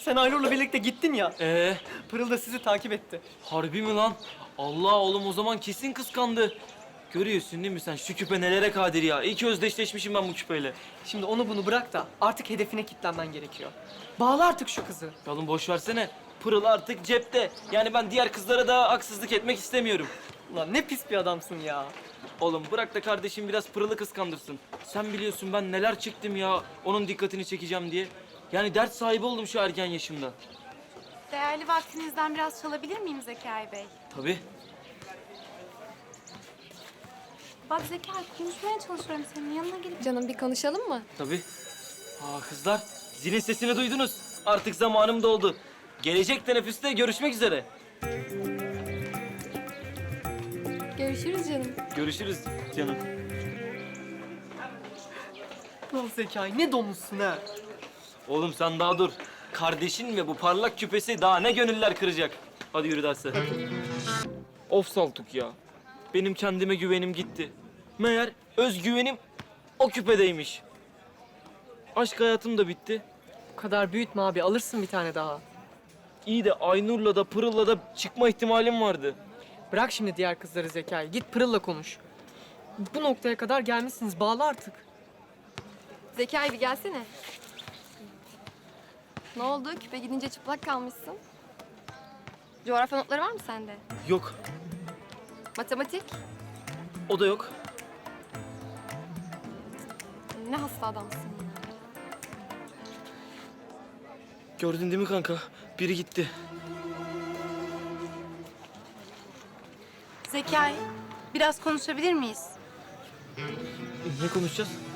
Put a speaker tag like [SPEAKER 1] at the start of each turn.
[SPEAKER 1] Sen Aynur'la birlikte gittin ya.
[SPEAKER 2] Ee,
[SPEAKER 1] Pırıl da sizi takip etti.
[SPEAKER 2] harbi mi lan? Allah oğlum o zaman kesin kıskandı. Görüyorsun değil mi sen? Şu küpe nelere kadir ya. İyi ki özdeşleşmişim ben bu küpeyle.
[SPEAKER 1] Şimdi onu bunu bırak da artık hedefine kilitlenmen gerekiyor. Bağla artık şu kızı.
[SPEAKER 2] Ya oğlum boş versene. Pırıl artık cepte. Yani ben diğer kızlara da haksızlık etmek istemiyorum.
[SPEAKER 1] Ulan ne pis bir adamsın ya.
[SPEAKER 2] Oğlum bırak da kardeşim biraz Pırıl'ı kıskandırsın. Sen biliyorsun ben neler çektim ya onun dikkatini çekeceğim diye. Yani dert sahibi oldum şu ergen yaşımda.
[SPEAKER 3] Değerli vaktinizden biraz çalabilir miyim Zekai Bey?
[SPEAKER 2] Tabii.
[SPEAKER 3] Bak Zekai, konuşmaya çalışıyorum senin yanına gelip...
[SPEAKER 4] Canım bir konuşalım mı?
[SPEAKER 2] Tabii. Aa kızlar, zilin sesini duydunuz. Artık zamanım doldu. Gelecek teneffüste görüşmek üzere.
[SPEAKER 4] Görüşürüz canım.
[SPEAKER 2] Görüşürüz canım.
[SPEAKER 1] Lan Zekai ne domuzsun ha.
[SPEAKER 2] Oğlum sen daha dur. Kardeşin ve bu parlak küpesi daha ne gönüller kıracak. Hadi yürü derse. Of Saltuk ya. Benim kendime güvenim gitti. Meğer özgüvenim o küpedeymiş. Aşk hayatım da bitti.
[SPEAKER 1] Bu kadar büyütme abi, alırsın bir tane daha.
[SPEAKER 2] İyi de Aynur'la da Pırıl'la da çıkma ihtimalim vardı.
[SPEAKER 1] Bırak şimdi diğer kızları Zekai. Git Pırıl'la konuş. Bu noktaya kadar gelmişsiniz. Bağla artık.
[SPEAKER 4] Zekai bir gelsene. Ne oldu? Küpe gidince çıplak kalmışsın. Coğrafya notları var mı sende?
[SPEAKER 2] Yok,
[SPEAKER 4] Matematik?
[SPEAKER 2] o da yok.
[SPEAKER 4] Ne hasta adamsın ya.
[SPEAKER 2] Gördün değil mi kanka? Biri gitti.
[SPEAKER 3] Zekai, biraz konuşabilir miyiz?
[SPEAKER 2] Ne konuşacağız?